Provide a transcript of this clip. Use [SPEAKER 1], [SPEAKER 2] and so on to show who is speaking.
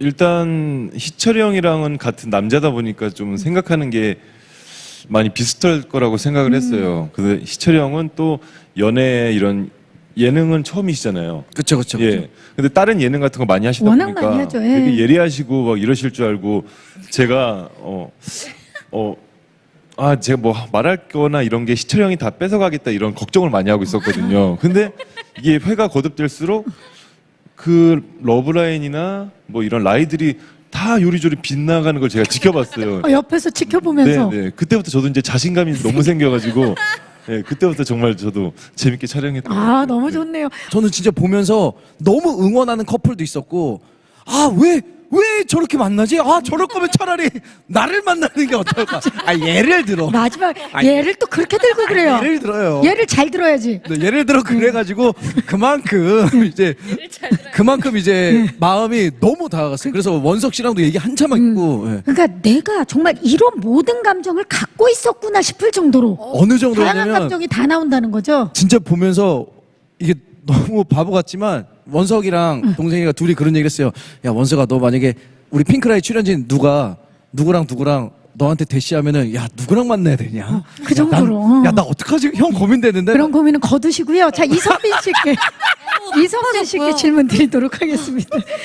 [SPEAKER 1] 일단 희철이 형이랑은 같은 남자다 보니까 좀 생각하는 게 많이 비슷할 거라고 생각을 했어요. 근데 희철이 형은 또 연애 이런 예능은 처음이시잖아요.
[SPEAKER 2] 그쵸, 그쵸.
[SPEAKER 1] 예. 근데 다른 예능 같은 거 많이 하시다
[SPEAKER 3] 워낙
[SPEAKER 1] 보니까
[SPEAKER 3] 많이 하죠, 예.
[SPEAKER 1] 되게 예리하시고 막 이러실 줄 알고 제가 제가 뭐 말할 거나 이런 게 희철이 형이 다 뺏어가겠다 이런 걱정을 많이 하고 있었거든요. 근데 이게 회가 거듭될수록 그 러브라인이나 뭐 이런 라이들이 다 요리조리 빗나가는 걸 제가 지켜봤어요.
[SPEAKER 3] 옆에서 지켜보면서
[SPEAKER 1] 네. 그때부터 저도 이제 자신감이 너무 생겨가지고 네, 그때부터 정말 저도 재밌게 촬영했던 것
[SPEAKER 3] 아
[SPEAKER 1] 같아요.
[SPEAKER 3] 너무
[SPEAKER 1] 네.
[SPEAKER 3] 좋네요.
[SPEAKER 2] 저는 진짜 보면서 너무 응원하는 커플도 있었고, 왜 저렇게 만나지? 저럴 거면 차라리 나를 만나는 게 어떨까? 예를 들어.
[SPEAKER 3] 마지막
[SPEAKER 2] 아니,
[SPEAKER 3] 얘를 또 그렇게 들고 그래요.
[SPEAKER 2] 예를 들어요.
[SPEAKER 3] 얘를 잘 들어야지.
[SPEAKER 2] 네, 예를 들어 그래가지고 그만큼 이제 마음이 너무 다가갔어요. 그래서 원석 씨랑도 얘기 한참 했고, 예.
[SPEAKER 3] 그러니까 내가 정말 이런 모든 감정을 갖고 있었구나 싶을 정도로
[SPEAKER 2] 어느
[SPEAKER 3] 다양한
[SPEAKER 2] 정도냐면
[SPEAKER 3] 감정이 다 나온다는 거죠.
[SPEAKER 2] 진짜 보면서 이게 너무 바보 같지만 원석이랑 동생이가 둘이 그런 얘기를 했어요. 야, 원석아, 너 만약에 우리 핑크라이 출연진 누구랑 너한테 대시하면은 야, 누구랑 만나야 되냐?
[SPEAKER 3] 그 정도로.
[SPEAKER 2] 야, 나 어떡하지? 형 고민되는데.
[SPEAKER 3] 그런 고민은 거두시고요. 자, 이성빈 씨께 질문 드리도록 하겠습니다.